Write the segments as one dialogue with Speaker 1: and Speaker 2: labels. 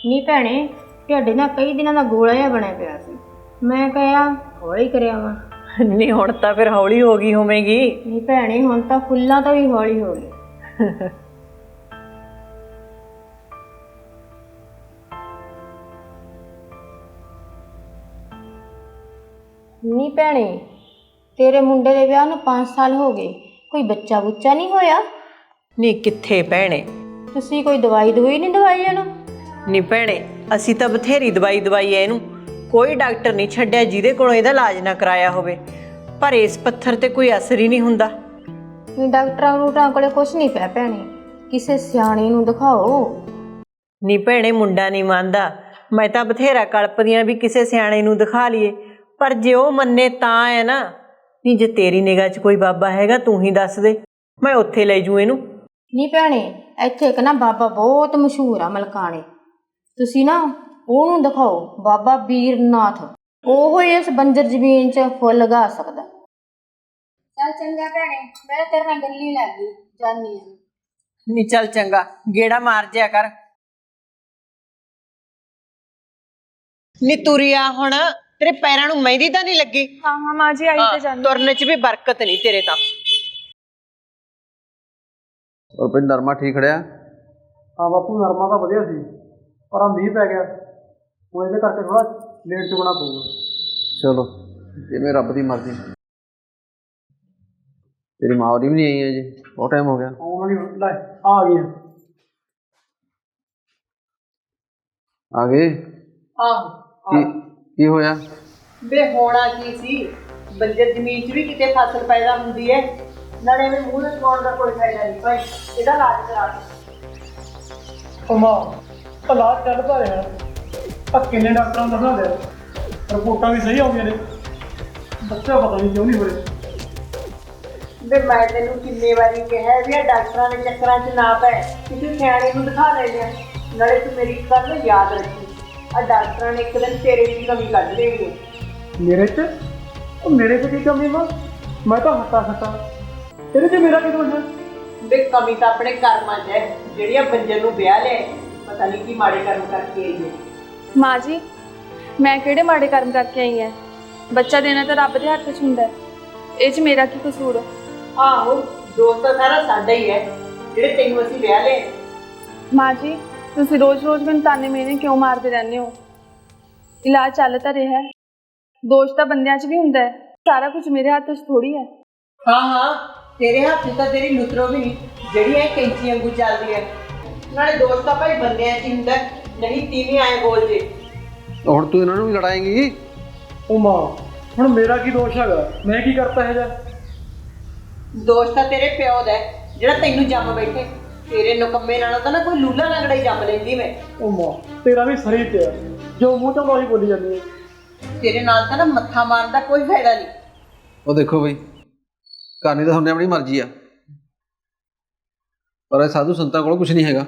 Speaker 1: ਨੀ ਭੈਣੇ, ਢਿੱਡ ਨਾ ਕਈ ਦਿਨਾਂ ਦਾ ਗੋਲਾ ਜਿਹਾ ਬਣਿਆ ਪਿਆ ਸੀ। ਮੈਂ ਕਿਹਾ ਹੌਲੀ ਕਰਿਆ ਵਾ।
Speaker 2: ਨਹੀਂ ਹੁਣ ਤਾਂ ਫਿਰ ਹੌਲੀ ਹੋ ਗਈ ਹੋਵੇਗੀ।
Speaker 1: ਨੀ ਭੈਣੇ, ਹੁਣ ਤਾਂ ਫੁੱਲਾਂ ਤੋਂ ਵੀ ਹੌਲੀ ਹੋ ਗਈ। ਨੀ ਭੈਣੇ, ਤੇਰੇ ਮੁੰਡੇ ਦੇ ਵਿਆਹ ਨੂੰ 5 ਸਾਲ ਹੋ ਗਏ, ਕੋਈ ਬੱਚਾ ਬੁੱਚਾ ਨਹੀਂ ਹੋਇਆ?
Speaker 2: ਨਹੀਂ ਕਿੱਥੇ ਭੈਣੇ।
Speaker 1: ਤੁਸੀਂ ਕੋਈ ਦਵਾਈ ਨਹੀਂ ਦਵਾਈ ਇਹਨੂੰ?
Speaker 2: ਨਹੀਂ ਭੈਣੇ, ਅਸੀਂ ਤਾਂ ਬਥੇਰੀ ਦਵਾਈ ਦਵਾਈ ਐ ਇਹਨੂੰ, ਕੋਈ ਡਾਕਟਰ ਨਹੀਂ ਛੱਡਿਆ ਜਿਹਦੇ ਕੋਲੋਂ ਇਹਦਾ ਇਲਾਜ ਨਾ ਕਰਾਇਆ ਹੋਵੇ, ਪਰ ਇਸ ਪੱਥਰ ਤੇ ਕੋਈ ਅਸਰ ਹੀ ਨਹੀਂ ਹੁੰਦਾ।
Speaker 1: ਡਾਕਟਰਾਂ ਕੋਲੇ ਕੁਛ ਨਹੀਂ ਪਿਆ ਭੈਣੇ, ਕਿਸੇ ਸਿਆਣੇ ਨੂੰ ਦਿਖਾਓ।
Speaker 2: ਨਹੀਂ ਭੈਣੇ, ਮੁੰਡਾ ਨਹੀਂ ਮੰਨਦਾ। ਮੈਂ ਤਾਂ ਬਥੇਰਾ ਕਲਪਦੀ ਆਂ ਵੀ ਕਿਸੇ ਸਿਆਣੇ ਨੂੰ ਦਿਖਾ ਲਈਏ, ਪਰ ਜੇ ਉਹ ਮੰਨੇ ਤਾਂ ਹੈ ਨਾ। ਨਹੀਂ ਜੇ ਤੇਰੀ ਨਿਗਾਹ 'ਚ ਕੋਈ ਬਾਬਾ ਹੈਗਾ ਤੂੰ ਹੀ ਦੱਸ ਦੇ, ਮੈਂ ਉੱਥੇ ਲੈ ਜੂ ਇਹਨੂੰ।
Speaker 1: ਨਹੀਂ ਭੈਣੇ, ਇੱਥੇ ਇੱਕ ਨਾ ਬਾਬਾ ਬਹੁਤ ਮਸ਼ਹੂਰ ਆ ਮਲਕਾਣੇ, ਤੁਸੀਂ ਨਾ ਉਹਨੂੰ ਦਿਖਾਓ, ਬਾਬਾ ਵੀਰਨਾਥ। ਉਹ ਹੀ ਇਸ ਬੰਜਰ ਜ਼ਮੀਨ 'ਚ ਫੁੱਲ ਲਗਾ ਸਕਦਾ। ਚੱਲ ਚੰਗਾ ਭੈਣੇ, ਮੈਂ ਤੇਰੇ ਨਾਲ ਗੱਲੀ ਲੱਗ ਗਈ, ਜਾਨੀ ਆ।
Speaker 2: ਨਹੀਂ ਚੱਲ ਚੰਗਾ, ਗੇੜਾ ਮਾਰ ਜਿਆ ਕਰ। ਨੀ ਤੁਰਿਆ ਹੁਣ, ਤੇਰੇ ਪੈਰਾਂ ਨੂੰ ਮਹਿੰਦੀ ਤਾਂ ਨਹੀਂ ਲੱਗੀ?
Speaker 3: हाँ हाँ माँ जी आई तो जानी।
Speaker 2: ਤੁਰਨ 'ਚ ਵੀ ਬਰਕਤ ਨਹੀਂ ਤੇਰੇ ਤਾਂ।
Speaker 4: और फिर नरमा ठीक खड़िया?
Speaker 5: हाँ बापू, नरमा तो वधिया सी, पर आ मीह पै गया, वो इहदे करके थोड़ा लेट चुगना पऊगा।
Speaker 4: चलो जिवें रब दी मर्जी। तेरी माँ होरी भी नहीं आई है जी, बहुत टाइम हो गया।
Speaker 5: आउण वाली ले आ गई है।
Speaker 4: आ गए?
Speaker 2: ਆਹੋ
Speaker 4: की होया?
Speaker 2: ਵੇ ਹੋਣਾ ਕੀ ਸੀ, ਬੰਜਰ ਜ਼ਮੀਨ 'ਚ ਵੀ ਕਿਤੇ ਫਸਲ ਪੈਦਾ ਹੁੰਦੀ ਹੈ, ਨਾਲੇ ਵੀ ਮੂੰਹ ਲਗਾਉਣ ਦਾ ਕੋਈ ਫਾਇਦਾ ਨਹੀਂ ਭਾਈ, ਇਹਦਾ ਇਲਾਜ ਕਰਾ ਦੇ।
Speaker 5: ਉਹ ਮਾਂ, ਇਲਾਜ ਚੱਲਦਾ ਰਿਹਾ, ਆ ਕਿੰਨੇ ਡਾਕਟਰਾਂ ਨੂੰ ਦਿਖਾ ਲਿਆ, ਰਿਪੋਰਟਾਂ ਵੀ ਸਹੀ ਆਉਂਦੀਆਂ ਨੇ, ਬੱਚਾ ਪਤਾ ਨਹੀਂ ਕਿਉਂ ਨਹੀਂ ਹੋ ਰਿਹਾ।
Speaker 2: ਵੇ ਮੈਂ ਤੈਨੂੰ ਕਿੰਨੇ ਵਾਰੀ ਕਿਹਾ ਵੀ ਆ ਡਾਕਟਰਾਂ ਦੇ ਚੱਕਰਾਂ 'ਚ ਨਾ ਪੈ, ਕਿਸੇ ਸਿਆਣੇ ਨੂੰ ਦਿਖਾ ਲੈ ਲਿਆ। ਨਾਲੇ ਤੂੰ ਮੇਰੀ ਇੱਕ ਗੱਲ ਯਾਦ ਰੱਖੀ, ਆ ਡਾਕਟਰਾਂ ਨੇ ਇੱਕ ਦਿਨ ਤੇਰੇ 'ਚ ਕਮੀ ਕੱਢ ਦੇਣੀ ਹੈ।
Speaker 5: ਮੇਰੇ 'ਚ? ਉਹ ਮੇਰੇ 'ਚ ਕੀ ਕਮੀ ਵਾ? ਮੈਂ ਤਾਂ ਹੱਟਾ ਖੱਟਾ, ਇਹਦੇ 'ਚ ਮੇਰਾ ਕੀ ਦੋਸ਼ ਹੈ?
Speaker 2: ਵੇ ਕਮੀ ਤਾਂ ਆਪਣੇ ਕਰਮਾਂ 'ਚ ਹੈ, ਜਿਹੜੀਆਂ ਬੰਜਰ ਨੂੰ ਵਿਆਹ ਲਿਆ, ਪਤਾ ਨਹੀਂ ਕੀ ਮਾੜੇ ਕਰਮ ਕਰਕੇ ਆਈ ਹੈ।
Speaker 3: माँ जी मैं किहड़े माड़े कर्म करके आई है, बच्चा देना तो रब दे हत्थ 'ਚ ਹੁੰਦਾ ਹੈ, ਇਹ 'ਚ ਮੇਰਾ ਕੀ ਕਸੂਰ?
Speaker 2: ਆਹੋ, ਦੋਸਤ ਤਾਂ ਸਾਰਾ ਸਾਡਾ ਹੀ ਹੈ, ਜਿਹੜੇ ਤੈਨੂੰ ਅਸੀਂ ਵਿਆਹ ਲਏ।
Speaker 3: माँ जी ਤੁਸੀਂ ਰੋਜ਼-ਰੋਜ਼ ਮੈਨੂੰ ਤਾਨੇ ਮੇਨੇ ਕਿਉਂ ਮਾਰਦੇ ਰਹਿੰਦੇ ਹੋ? ਇਲਾਜ ਚੱਲ ਤਾਂ ਰਿਹਾ ਹੈ, ਦੋਸ਼ ਤਾਂ ਬੰਦਿਆਂ 'ਚ ਵੀ ਹੁੰਦਾ ਹੈ, ਸਾਰਾ ਕੁਝ ਮੇਰੇ ਹੱਥ 'ਚ ਥੋੜੀ ਹੈ।
Speaker 2: ਹਾਂ ਹਾਂ, ਤੇਰੇ ਹੱਥ 'ਚ ਤਾਂ ਤੇਰੀ ਲੁਤਰੋ ਵੀ ਨਹੀਂ, ਜਿਹੜੀ ਇਹ ਕੈਂਚੀ ਵਾਂਗੂ ਚੱਲਦੀ ਹੈ। ਨਾਲੇ ਦੋਸਤ ਤਾਂ ਭਾਈ ਬੰਦਿਆਂ 'ਚ ਹੀ ਹੁੰਦਾ, ਨਹੀਂ ਤੀਵੀਂ ਆਏ ਬੋਲ ਜੇ।
Speaker 4: ਹੁਣ ਤੂੰ ਇਹਨਾਂ ਨੂੰ ਵੀ ਲੜਾਏਂਗੀ?
Speaker 5: ਉਹ ਮਾਂ, ਹੁਣ ਮੇਰਾ ਕੀ ਦੋਸ਼ ਹੈਗਾ? ਮੈਂ ਕੀ ਕਰਤਾ ਹੈ ਜਾ?
Speaker 2: ਦੋਸਤ ਤਾਂ ਤੇਰੇ ਪਿਓ ਦਾ ਹੈ, ਜਿਹੜਾ ਤੈਨੂੰ ਜੰਮ ਬੈਠੇ। ਤੇਰੇ ਨਕੰਮੇ ਨਾਲੋਂ ਤਾਂ ਨਾ ਕੋਈ ਲੂਲਾ ਲੰਗੜਾ ਹੀ ਜੰਮ ਲੈਂਦੀ ਮੈਂ।
Speaker 5: ਉਹ ਮਾਂ, ਤੇਰਾ ਵੀ ਸਰੀ ਪਿਆ, ਜੋ ਮੂੰਹ ਤੋਂ ਉਹੀ ਬੋਲੀ ਜਾਂਦੀ ਹੈ।
Speaker 2: ਤੇਰੇ ਨਾਲ ਤਾਂ ਨਾ ਮੱਥਾ ਮਾਰਨ ਦਾ ਕੋਈ ਫਾਇਦਾ ਨਹੀਂ।
Speaker 4: ਉਹ ਦੇਖੋ ਬਈ, ਕਰਨੀ ਤਾਂ ਤੁਹਾਡੀ ਆਪਣੀ ਮਰਜ਼ੀ ਆ, ਪਰ ਇਹ ਸਾਧੂ ਸੰਤਾਂ ਕੋਲ ਕੁਝ ਨਹੀਂ ਹੈਗਾ।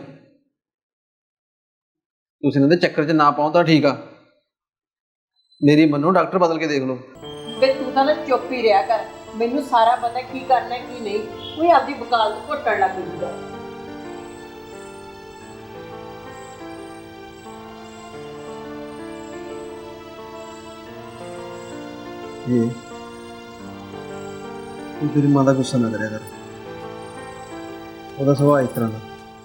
Speaker 4: ਤੁਸੀਂ ਇਹਨਾਂ ਦੇ ਚੱਕਰ 'ਚ ਨਾ ਪਾਓ ਤਾਂ ਠੀਕ ਆ, ਮੇਰੀ ਮੰਨੋ, ਡਾਕਟਰ ਬਦਲ ਕੇ ਦੇਖ ਲਓ।
Speaker 2: ਵੇ ਤੂੰ ਤਾਂ ਨਾ ਚੁੱਪ ਹੀ ਰਿਹਾ ਕਰ, ਮੈਨੂੰ ਸਾਰਾ ਪਤਾ ਕੀ ਕਰਨਾ ਕੀ ਨਹੀਂ। ਕੋਈ ਆਪਦੀ ਵਕਾਲਤ ਘੁੱਟਣ ਲੱਗ ਜੂਗਾ।
Speaker 4: ਤੂੰ ਤੇਰੀ ਮਾਂ ਦਾ ਗੁੱਸਾ ਨਾ ਕਰਿਆ ਕਰ, ਉਹਦਾ ਸੁਭਾਅ ਇਸ ਤਰ੍ਹਾਂ ਦਾ।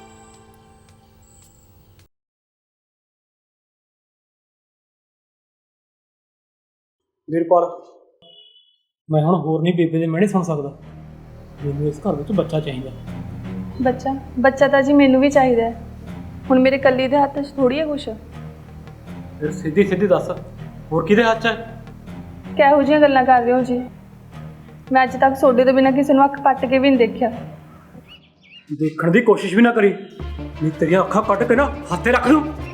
Speaker 5: ਵੀਰਪਾਲ, ਮੈਂ ਹੁਣ ਹੋਰ ਨਹੀਂ ਬੇਬੇ ਦੇ ਮਿਹਣੇ ਸੁਣ ਸਕਦਾ, ਮੈਨੂੰ ਇਸ ਘਰ ਵਿੱਚ ਬੱਚਾ ਚਾਹੀਦਾ।
Speaker 3: ਬੱਚਾ ਤਾਂ ਜੀ ਮੈਨੂੰ ਵੀ ਚਾਹੀਦਾ ਹੈ, ਹੁਣ ਮੇਰੇ ਕੱਲੀ ਦੇ ਹੱਥ 'ਚ ਥੋੜੀ ਹੈ ਕੁਛ।
Speaker 5: ਫਿਰ ਸਿੱਧੀ ਸਿੱਧੀ ਦੱਸ, ਹੋਰ ਕਿਹਦੇ ਹੱਥ 'ਚ ਹੈ?
Speaker 3: ਕਿਹੋ ਜਿਹੀਆਂ ਗੱਲਾਂ ਕਰ ਰਹੇ ਹੋ ਜੀ? ਮੈਂ ਅੱਜ ਤੱਕ ਤੁਹਾਡੇ ਤੋਂ ਬਿਨਾਂ ਕਿਸੇ ਨੂੰ ਅੱਖ ਪੱਟ ਕੇ ਵੀ ਨਹੀਂ ਦੇਖਿਆ।
Speaker 5: ਦੇਖਣ ਦੀ ਕੋਸ਼ਿਸ਼ ਵੀ ਨਾ ਕਰੀ, ਨਹੀਂ ਤੇਰੀਆਂ ਅੱਖਾਂ ਕੱਟ ਕੇ ਨਾ ਹੱਥੇ ਰੱਖ ਲੂੰ।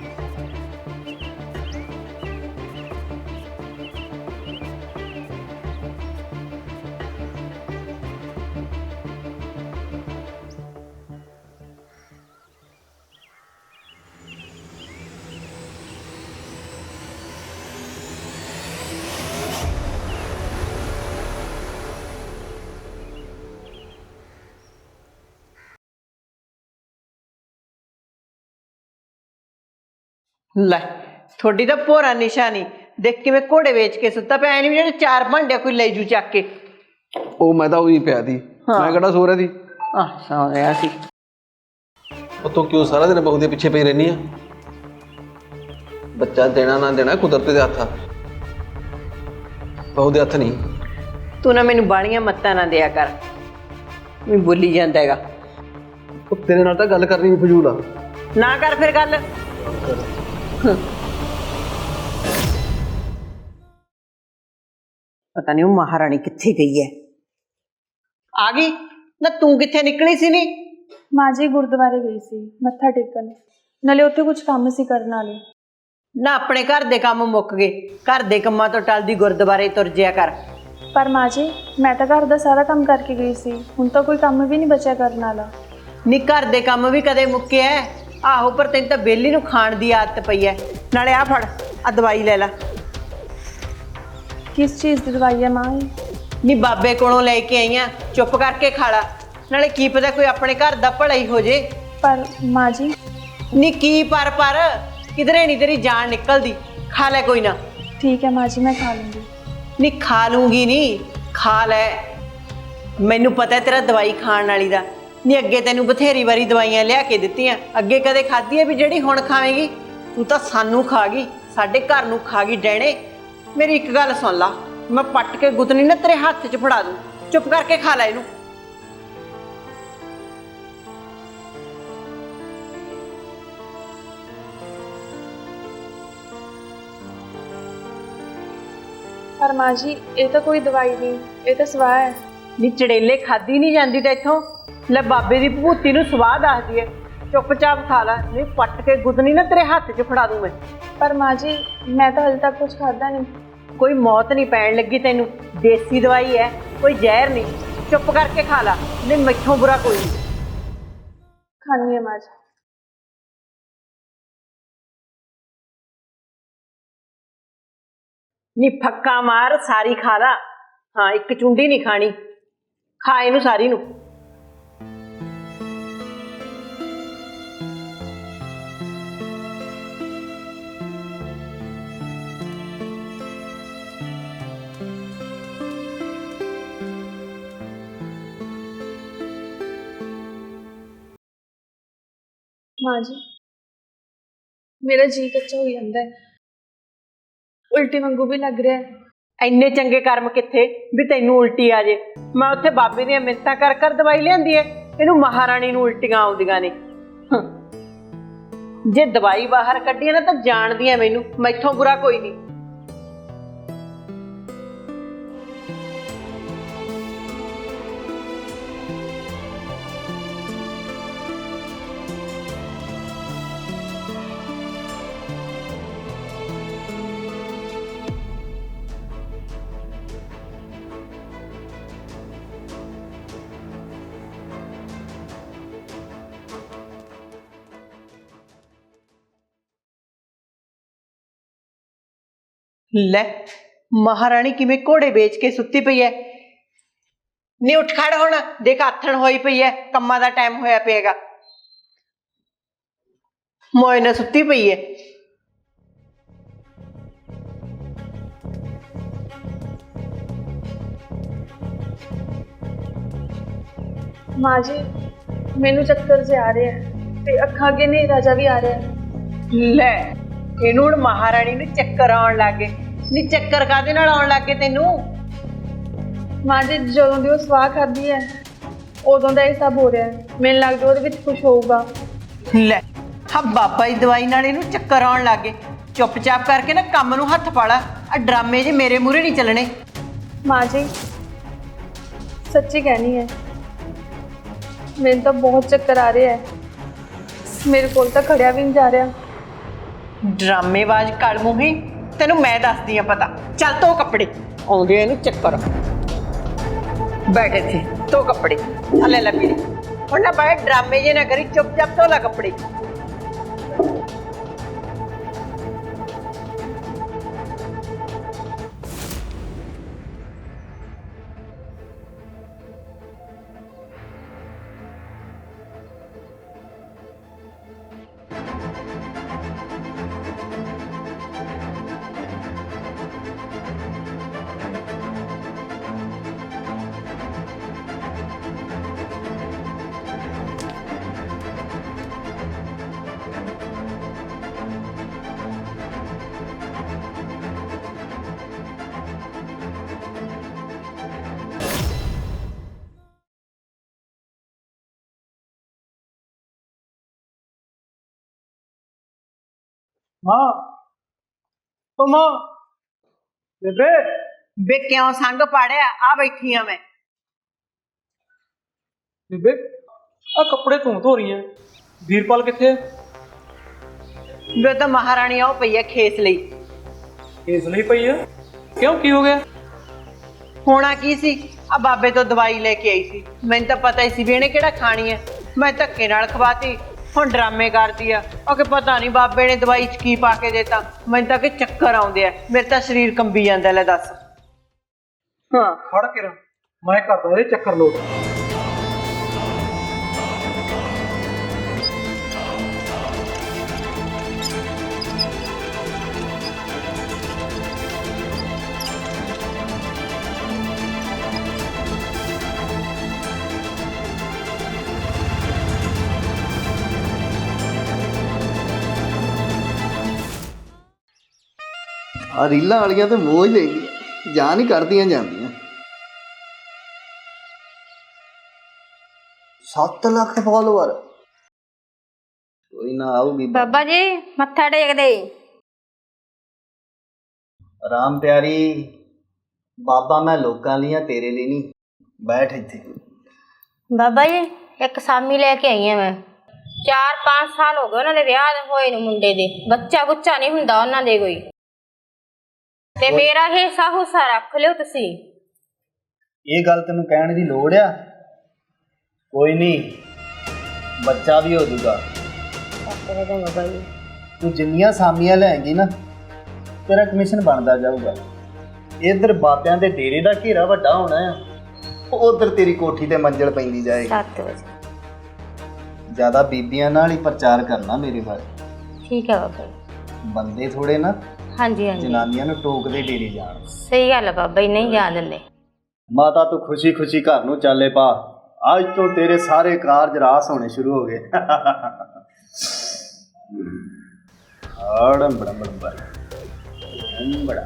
Speaker 2: ਲੈ ਤੁਹਾਡੀ ਤਾਂ ਭੋਰਾ ਨਿਸ਼ਾ ਨਹੀਂ, ਦੇਖ ਕਿਵੇਂ ਘੋੜੇ ਵੇਚ ਕੇ ਸੁੱਤਾ ਪਿਆ। ਐ ਨਹੀਂ ਜਿਹੜੇ 4 ਭਾਂਡੇ ਕੋਈ ਲੈ ਜੂ ਚੱਕ ਕੇ।
Speaker 4: ਉਹ ਮੈਂ ਤਾਂ ਉਹੀ ਪਿਆ ਸੀ, ਮੈਂ ਕਿਹੜਾ ਸੋ ਰਿਹਾ ਸੀ।
Speaker 2: ਸੌ ਰਿਹਾ ਸੀ।
Speaker 4: ਉਹ ਤੂੰ ਕਿਉਂ ਸਾਰਾ ਦਿਨ ਬਹੂ ਦੇ ਪਿੱਛੇ ਪਈ ਰਹਿਨੀ ਆ? ਬੱਚਾ ਦੇਣਾ ਨਾ ਦੇਣਾ ਕੁਦਰਤ ਦੇ ਹੱਥ ਆ, ਬਹੂ ਦੇ ਹੱਥ ਨਹੀਂ।
Speaker 2: ਤੂੰ ਨਾ ਮੈਨੂੰ ਬਾਲੀਆਂ ਮੱਤਾਂ ਨਾ ਦਿਆ ਕਰ, ਮੈਂ ਬੋਲੀ ਜਾਂਦਾ ਹੈਗਾ।
Speaker 4: ਉਹ ਤੇਰੇ ਨਾਲ ਤਾਂ ਗੱਲ ਕਰਨੀ ਵੀ ਫਜ਼ੂਲ ਆ।
Speaker 2: ਨਾ ਕਰ ਫਿਰ ਗੱਲ। ਪਤਾ ਨਹੀਂ ਉਹ ਮਹਾਰਾਣੀ ਕਿੱਥੇ ਗਈ ਹੈ। ਆ ਗਈ ਨਾ, ਤੂੰ ਕਿੱਥੇ ਨਿਕਲੀ ਸੀ ਨੀ?
Speaker 3: ਮਾਂ ਜੀ ਗੁਰਦੁਆਰੇ ਗਈ ਸੀ ਮੱਥਾ ਟੇਕਣ, ਨਾਲੇ ਉੱਥੇ ਕੁਝ ਕੰਮ ਸੀ ਕਰਨ ਵਾਲੇ।
Speaker 2: ਨਾ ਆਪਣੇ ਘਰ ਦੇ ਕੰਮ ਮੁੱਕ ਗਏ, ਘਰ ਦੇ ਕੰਮਾਂ ਤੋਂ ਟਲਦੀ ਗੁਰਦੁਆਰੇ ਤੁਰ ਜਿਆ ਕਰ।
Speaker 3: ਪਰ ਮਾਂ ਜੀ ਮੈਂ ਤਾਂ ਘਰ ਦਾ ਸਾਰਾ ਕੰਮ ਕਰਕੇ ਗਈ ਸੀ, ਹੁਣ ਤਾਂ ਕੋਈ ਕੰਮ ਵੀ ਨਹੀਂ ਬਚਿਆ ਕਰਨ ਵਾਲਾ।
Speaker 2: ਨੀ ਘਰ ਦੇ ਕੰਮ ਵੀ ਕਦੇ ਮੁੱਕੇ ਐ? ਆਹੋ, ਪਰ ਤੈਨੂੰ ਤਾਂ ਬੇਲੀ ਨੂੰ ਖਾਣ ਦੀ ਆਦਤ ਪਈ ਐ। ਨਾਲੇ ਆ ਫੜ, ਆ ਦਵਾਈ ਲੈ ਲੈ।
Speaker 3: ਕਿਸ ਚੀਜ਼ ਦੀ ਦਵਾਈ ਹੈ ਮਾਂ?
Speaker 2: ਨੀ ਬਾਬੇ ਕੋਲੋਂ ਲੈ ਕੇ ਆਈਆਂ, ਚੁੱਪ ਕਰਕੇ ਖਾ ਲਾ, ਨਾਲੇ ਕੀ ਪਤਾ ਕੋਈ ਆਪਣੇ ਘਰ ਦਾ ਭਲਾ ਹੀ ਹੋ ਜੇ।
Speaker 3: ਪਰ ਮਾਂ ਜੀ।
Speaker 2: ਨੀ ਕੀ ਪਰ ਕਿਧਰੇ ਨਹੀਂ ਤੇਰੀ ਜਾਨ ਨਿਕਲਦੀ, ਖਾ ਲੈ ਕੋਈ ਨਾ।
Speaker 3: ਠੀਕ ਹੈ ਮਾਂ ਜੀ, ਮੈਂ ਖਾ ਲੂੰਗੀ।
Speaker 2: ਨੀ ਖਾ ਲੂੰਗੀ ਨਹੀਂ, ਖਾ ਲੈ। ਮੈਨੂੰ ਪਤਾ ਤੇਰਾ ਦਵਾਈ ਖਾਣ ਵਾਲੀ ਦਾ। ਨੀ ਅੱਗੇ ਤੈਨੂੰ ਬਥੇਰੀ ਵਾਰੀ ਦਵਾਈਆਂ ਲਿਆ ਕੇ ਦਿੱਤੀਆਂ, ਅੱਗੇ ਕਦੇ ਖਾਧੀ ਹੈ ਵੀ ਜਿਹੜੀ ਹੁਣ ਖਾਵੇਂਗੀ? ਤੂੰ ਤਾਂ ਸਾਨੂੰ ਖਾ ਗਈ, ਸਾਡੇ ਘਰ ਨੂੰ ਖਾ ਗਈ ਡੈਣੇ। ਮੇਰੀ ਇੱਕ ਗੱਲ ਸੁਣ ਲਾ, ਮੈਂ ਪੱਟ ਕੇ ਗੁੱਤਨੀ ਨਾ ਤੇਰੇ ਹੱਥ 'ਚ ਫੜਾ ਦੂੰ, ਚੁੱਪ ਕਰਕੇ ਖਾ ਲੈ ਇਹਨੂੰ।
Speaker 3: ਪਰ ਮਾਂ ਜੀ ਇਹ ਤਾਂ ਕੋਈ ਦਵਾਈ ਨਹੀਂ, ਇਹ ਤਾਂ ਸਵਾਹ ਹੈ।
Speaker 2: ਨੀ ਚੜੇਲੇ ਖਾਦੀ ਨਹੀਂ ਜਾਂਦੀ ਤਾਂ ਇੱਥੋਂ, ਲੈ ਬਾਬੇ ਦੀ ਭੂਤੀ ਨੂੰ ਸਵਾਹ ਦੱਸਦੀ ਹੈ। ਚੁੱਪਚਾਪ ਖਾ ਲੈ, ਨਹੀਂ ਪੱਟ ਕੇ ਗੁੱਤਨੀ ਨਾ ਤੇਰੇ ਹੱਥ 'ਚ ਫੜਾ ਦੂੰ ਮੈਂ।
Speaker 3: ਪਰ ਮਾਂ ਜੀ ਮੈਂ ਤਾਂ ਹਲੇ ਤੱਕ ਕੁਝ ਖਾਧਾ ਨਹੀਂ।
Speaker 2: ਕੋਈ ਮੌਤ ਨਹੀਂ ਪੈਣ ਲੱਗੀ ਤੈਨੂੰ, ਦੇਸੀ ਦਵਾਈ ਹੈ, ਕੋਈ ਜ਼ਹਿਰ ਨਹੀਂ। ਚੁੱਪ ਕਰਕੇ ਖਾ ਲਾ, ਨਹੀਂ ਮੈਥੋਂ ਬੁਰਾ ਕੋਈ ਨਹੀਂ।
Speaker 3: ਖਾਣੀ ਹੈ ਮਾਂ ਜੀ।
Speaker 2: ਨੀ ਫੱਕਾ ਮਾਰ, ਸਾਰੀ ਖਾ ਲਾ। ਹਾਂ, ਇੱਕ ਚੁੰਡੀ ਨਹੀਂ ਖਾਣੀ, ਖਾ ਇਹਨੂੰ ਸਾਰੀ ਨੂੰ।
Speaker 3: ਮਾਂ ਜੀ ਮੇਰਾ ਜੀ ਕੱਚਾ ਹੋ ਜਾਂਦਾ ਹੈ, ਉਲਟੀ ਵਾਂਗੂ ਵੀ ਲੱਗ ਰਿਹਾ ਹੈ।
Speaker 2: ਇੰਨੇ ਚੰਗੇ ਕਰਮ ਕਿੱਥੇ ਵੀ ਤੈਨੂੰ ਉਲਟੀ ਆ ਜੇ। ਮੈਂ ਉੱਥੇ ਬਾਬੇ ਦੀਆਂ ਮਿੰਨਤਾਂ ਕਰ ਕਰ ਦਵਾਈ ਲਿਆਂਦੀ ਐ, ਇਹਨੂੰ ਮਹਾਰਾਣੀ ਨੂੰ ਉਲਟੀਆਂ ਆਉਂਦੀਆਂ ਨੇ। ਜੇ ਦਵਾਈ ਬਾਹਰ ਕੱਢੀ ਨਾ ਤਾਂ ਜਾਣਦੀਆਂ ਮੈਨੂੰ, ਮੈਥੋਂ ਬੁਰਾ ਕੋਈ ਨਹੀਂ। ਲੈ ਮਹਾਰਾਣੀ ਕਿਵੇਂ ਘੋੜੇ ਵੇਚ ਕੇ ਸੁੱਤੀ ਪਈ ਐ। ਨੀ ਉੱਠ ਖੜ ਹੁਣ, ਦੇਖ ਆਥਣ ਹੋਈ ਪਈ ਐ, ਕੰਮਾਂ ਦਾ ਟਾਈਮ ਹੋਇਆ ਪਿਆਗਾ। ਮੋਏ ਨਾਲ ਸੁੱਤੀ ਪਈ ਐ।
Speaker 3: ਮਾਂ ਜੀ ਮੈਨੂੰ ਚੱਕਰ ਜੇ ਆ ਰਿਹਾ ਹੈ ਤੇ ਅੱਖਾਂ ਅੱਗੇ ਹਨੇਰਾ ਜਿਹਾ ਵੀ ਆ ਰਿਹਾ ਹੈ।
Speaker 2: ਲੈ ਇਹਨੂੰ ਹੁਣ ਮਹਾਰਾਣੀ ਨੂੰ ਚੱਕਰ ਆਉਣ ਲੱਗੇ। ਨੀ ਚੱਕਰ ਕਾਹਦੇ ਨਾਲ ਆਉਣ ਲੱਗੇ ਤੈਨੂੰ?
Speaker 3: ਮਾਂ ਜੀ ਜਦੋਂ ਦੀ ਉਹ ਸਵਾਹ ਖਾਧੀ ਹੈ ਉਦੋਂ ਦਾ ਇਹ ਸਭ ਹੋ ਰਿਹਾ ਹੈ। ਮੈਨੂੰ ਲੱਗਦਾ ਉਹਦੇ ਵਿੱਚ ਕੁਝ ਹੋਊਗਾ।
Speaker 2: ਲੈ ਹਾਂ, ਬਾਬਾ ਦੀ ਦਵਾਈ ਨਾਲ ਇਹਨੂੰ ਚੱਕਰ ਆਉਣ ਲੱਗੇ। ਚੁੱਪਚਾਪ ਕਰਕੇ ਨਾ ਕੰਮ ਨੂੰ ਹੱਥ ਪਾ ਲਾ, ਆ ਡਰਾਮੇ ਜੇ ਮੇਰੇ ਮੂਹਰੇ ਨਹੀਂ ਚੱਲਣੇ।
Speaker 3: ਮਾਂ ਜੀ ਸੱਚੀ ਕਹਿਣੀ ਹੈ, ਮੈਨੂੰ ਤਾਂ ਬਹੁਤ ਚੱਕਰ ਆ ਰਿਹਾ ਹੈ, ਮੇਰੇ ਕੋਲ ਤਾਂ ਖੜਿਆ ਵੀ ਨਹੀਂ ਜਾ ਰਿਹਾ।
Speaker 2: ਡਰਾਮੇਬਾਜ਼ ਕਲ ਮੂੰਹੀ, ਤੈਨੂੰ ਮੈਂ ਦੱਸਦੀ ਆ ਪਤਾ। ਚੱਲ ਧੋ ਕੱਪੜੇ, ਆਉਂਦੇ ਆ ਇਹਨੂੰ ਚੱਕਰ। ਬੈਠ ਇੱਥੇ, ਧੋ ਕੱਪੜੇ। ਆ ਲੈ ਲੈ ਪੀੜੀ। ਹੁਣ ਨਾ ਬਾਹਰ ਡਰਾਮੇ ਜੇ ਨਾ ਕਰੀ, ਚੁੱਪਚਾਪ ਧੋ ਲੈ ਕੱਪੜੇ।
Speaker 5: ਮਾਂ ਓ ਮਾਂ ਬੇਬੇ
Speaker 2: ਬੇ ਕਿਉਂ ਸੰਗ ਪਾੜਿਆ? ਆ ਬੈਠੀ ਆ ਮੈਂ।
Speaker 5: ਬੇਬੇ ਆ ਕੱਪੜੇ ਤੂੰ ਧੋ ਰਹੀ ਐ, ਵੀਰਪਾਲ ਕਿੱਥੇ ਐ?
Speaker 2: ਵੇ ਤਾਂ ਮਹਾਰਾਣੀ ਉਹ ਪਈ ਆ ਖੇਸ ਲਈ।
Speaker 5: ਇਸ ਲਈ ਪਈ ਆ? ਕਿਉਂ, ਕੀ ਹੋ ਗਿਆ?
Speaker 2: ਹੋਣਾ ਕੀ ਸੀ, ਆ ਬਾਬੇ ਤੋਂ ਦਵਾਈ ਲੈ ਕੇ ਆਈ ਸੀ। ਮੈਨੂੰ ਤਾਂ ਪਤਾ ਹੀ ਸੀ ਵੀ ਇਹਨੇ ਕਿਹੜਾ ਖਾਣੀ ਹੈ। ਮੈਂ ਧੱਕੇ ਨਾਲ ਖਵਾਤੀ, ਹੁਣ ਡਰਾਮੇ ਕਰਦੀ ਆ ਉਹ ਕਿ ਪਤਾ ਨਹੀਂ ਬਾਬੇ ਨੇ ਦਵਾਈ 'ਚ ਕੀ ਪਾ ਕੇ ਦੇਤਾ। ਮੈਨੂੰ ਤਾਂ ਕਿ ਚੱਕਰ ਆਉਂਦੇ ਆ, ਮੇਰੇ ਤਾਂ ਸਰੀਰ ਕੰਬੀ ਜਾਂਦਾ। ਲੈ ਦੱਸ।
Speaker 5: ਹਾਂ ਖੜ ਕੇ ਰ ਮੈਂ ਕਰਦਾ ਇਹ ਚੱਕਰ ਲੋਟ।
Speaker 6: ਆ ਰੀਲਾਂ ਵਾਲੀਆਂ ਤੇ ਮੋਹ ਹੀ ਲੈਂਦੀਆਂ, ਜਾਨ ਹੀ ਕੱਢਦੀਆਂ ਜਾਂਦੀਆਂ। 7 ਲੱਖ ਫਾਲੋਅਰ, ਕੋਈ ਨਾ ਆਊਗੀ।
Speaker 1: ਬਾਬਾ ਜੀ ਮੱਥਾ ਟੇਕ ਦੇ।
Speaker 6: ਆਰਾਮ ਪਿਆਰੀ, ਬਾਬਾ ਮੈਂ ਲੋਕਾਂ ਲਈ ਆ, ਤੇਰੇ ਲਈ ਨਹੀਂ। ਬੈਠ ਇੱਥੇ।
Speaker 1: ਬਾਬਾ ਜੀ ਇੱਕ ਸਾਮੀ ਲੈ ਕੇ ਆਈ ਆ ਮੈਂ। 4-5 ਸਾਲ ਹੋ ਗਏ ਉਹਨਾਂ ਦੇ ਵਿਆਹ ਹੋਏ ਨੂੰ, ਮੁੰਡੇ ਦੇ ਬੱਚਾ ਬੁੱਚਾ ਨਹੀਂ ਹੁੰਦਾ ਉਹਨਾਂ ਦੇ ਕੋਈ। ਤੇ ਮੇਰਾ ਹਿੱਸਾ ਹੁੱਸਾ ਰੱਖ ਲਿਓ ਤੁਸੀਂ।
Speaker 6: ਇਹ ਗੱਲ ਤੈਨੂੰ ਕਹਿਣ ਦੀ ਲੋੜ ਆ? ਕੋਈ ਨਹੀਂ, ਬੱਚਾ ਵੀ ਹੋ ਜਾਊਗਾ।
Speaker 1: ਬਾਬਾ ਜੀ
Speaker 6: ਤੂੰ ਜਿੰਨੀਆਂ ਸਾਮੀਆਂ ਲੈਂਗੀ ਨਾ, ਤੇਰਾ ਕਮਿਸ਼ਨ ਬਣਦਾ ਜਾਊਗਾ। ਇੱਧਰ ਬਾਬਿਆਂ ਦੇ ਡੇਰੇ ਦਾ ਘੇਰਾ ਵੱਡਾ ਹੋਣਾ ਆ, ਉਧਰ ਤੇਰੀ ਕੋਠੀ ਤੇ ਮੰਜ਼ਲ ਪੈਂਦੀ ਜਾਏਗੀ।
Speaker 1: 7 ਵਜੇ
Speaker 6: ਜ਼ਿਆਦਾ ਬੀਬੀਆਂ ਨਾਲ ਹੀ ਪ੍ਰਚਾਰ ਕਰਨਾ ਮੇਰੇ ਬਾਰੇ।
Speaker 1: ਠੀਕ ਹੈ ਬਾਬਾ ਜੀ।
Speaker 6: ਬੰਦੇ ਥੋੜੇ ਨਾ
Speaker 1: ਹਾਂਜੀ ਹਾਂਜੀ
Speaker 6: ਜਨਾਨੀਆਂ ਨੂੰ ਟੋਕਦੇ ਡੇਰੇ ਜਾਣ।
Speaker 1: ਸਹੀ ਗੱਲ ਹੈ ਬਾਬਾ ਜੀ, ਨਹੀਂ ਜਾਣ ਦਿੰਦੇ।
Speaker 6: ਮਾਤਾ ਤੂੰ ਖੁਸ਼ੀ ਖੁਸ਼ੀ ਘਰ ਨੂੰ ਚੱਲੇ ਪਾ। ਅੱਜ ਤੋਂ ਤੇਰੇ ਸਾਰੇ ਕਾਰਜ ਰਾਸ ਹੋਣੇ ਸ਼ੁਰੂ ਹੋ ਗਏ। ਬੜਾ